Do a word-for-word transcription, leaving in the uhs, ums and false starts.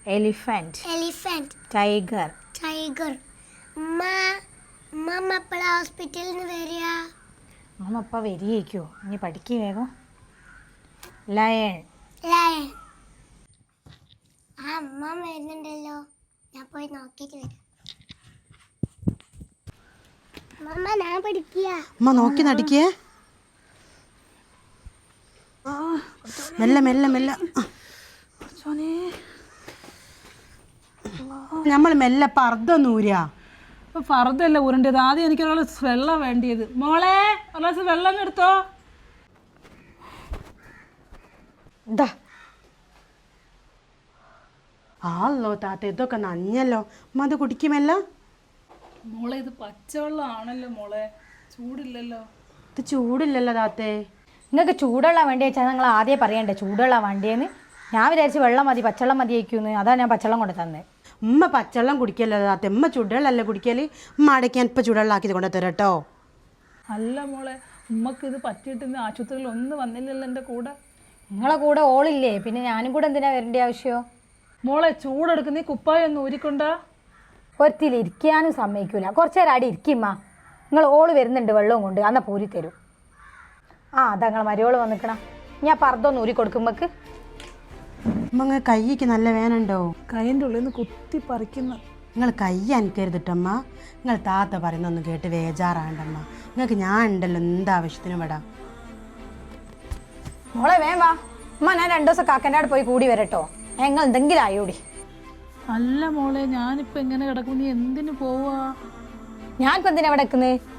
Elephant. Elephant. Tiger. Tiger. അമ്മ അമ്മ എപ്പോഴാ ഹോസ്പിറ്റലിൽ നിന്ന് വരിക? അമ്മ അപ്പം വരികയോ? ഇനി പഠിക്കുക വേഗം. ലയൺ. ലയൺ. ആ അമ്മ വരുന്നുണ്ടല്ലോ, ഞാൻ പോയി നോക്കിയിട്ട് വരാം. അമ്മ ഞാൻ പഠിക്കുക. അമ്മ നോക്കി നടിക്കേ. മെല്ലെ മെല്ലെ മെല്ലെ നമ്മൾ മെല്ലെ പർദ്ദൊന്നും ഊരാ. ഫർദല്ല ഊരേണ്ടത്. ആദ്യം എനിക്ക് ഒരു ഗ്ലാസ് വെള്ളം വേണ്ടിയത്. മോളെ ഒരു ഗ്ലാസ് വെള്ളം എടുത്തോ. എന്താ ആളോ താത്ത, ഇതൊക്കെ നഞ്ഞല്ലോ. അമ്മ അത് കുടിക്കുമല്ല. മോളെ ഇത് പച്ചവെള്ളം ആണല്ലോ മോളെ, ചൂടില്ലല്ലോ. ഇത് ചൂടില്ലല്ലോ താത്തേ. നിങ്ങൾക്ക് ചൂടുള്ള വണ്ടി വെച്ചാൽ നിങ്ങൾ ആദ്യം പറയണ്ടേ ചൂടുള്ള വണ്ടിയെന്ന്. ഞാൻ വിചാരിച്ച് വെള്ളം മതി, പച്ചവെള്ളം മതിയായിക്കൂന്ന്. അതാണ് ഞാൻ പച്ചവെള്ളം കൊണ്ട് തന്നെ. ഉമ്മ പച്ചവെള്ളം കുടിക്കല്ലോ താത്ത, ഉമ്മ ചൂടുവെള്ളമല്ലേ കുടിക്കല്. ഉമ്മ അടയ്ക്കാൻ ഇപ്പം ചൂടുവെള്ളമാക്കി കൊണ്ട് തരാം കേട്ടോ. അല്ല മോളെ, ഉമ്മക്ക് ഇത് പറ്റിയിട്ട് ഇന്ന് ആശുപത്രിയിൽ ഒന്നും വന്നില്ലല്ലോ എൻ്റെ കൂടെ. നിങ്ങളെ കൂടെ ഓളില്ലേ, പിന്നെ ഞാനും കൂടെ എന്തിനാ വരേണ്ട ആവശ്യമോ? മോളെ ചൂടെടുക്കുന്ന ഈ കുപ്പായം ഒന്ന് ഊരിക്കൊണ്ടാ. ഒരുത്തിയിൽ ഇരിക്കാനും സമ്മതിക്കൂല. കുറച്ച് നേരം അടി ഇരിക്കുമ്മ. നിങ്ങൾ ഓള് വരുന്നുണ്ട് വെള്ളവും കൊണ്ട്, അന്നാ പൂരി തരും. ആ അതാ നിങ്ങൾ മരുവോള് വന്നിക്കണം. ഞാൻ പർദ്ദൊന്ന് ഊരി കൊടുക്കുമ്പോക്ക്. ഉമ്മ കൈക്ക് നല്ല വേനുണ്ടോ? കൈൻ്റെ ഉള്ളിൽ നിന്ന് കുത്തി പറിക്കുന്ന. നിങ്ങൾ കൈ അനക്കരുതിട്ടമ്മ. നിങ്ങൾ താത്ത പറയുന്നൊന്നും കേട്ട് വേജാറാണ്ടമ്മ. നിങ്ങൾക്ക് ഞാൻ ഉണ്ടല്ലോ എന്താവശ്യത്തിനും വിടാം. മോളെ വേം വാ. അമ്മ ഞാൻ രണ്ടു ദിവസം കാക്കൻ്റെ അവിടെ പോയി കൂടി വരട്ടോ. ഞങ്ങൾ എന്തെങ്കിലും ആയോടി. അല്ല മോളെ, ഞാനിപ്പോൾ എങ്ങനെ കിടക്കും? നീ എന്തിനു പോവാ? ഞാനിപ്പോൾ എന്തിനാ ഇവിടെ നിൽക്കുന്നത്?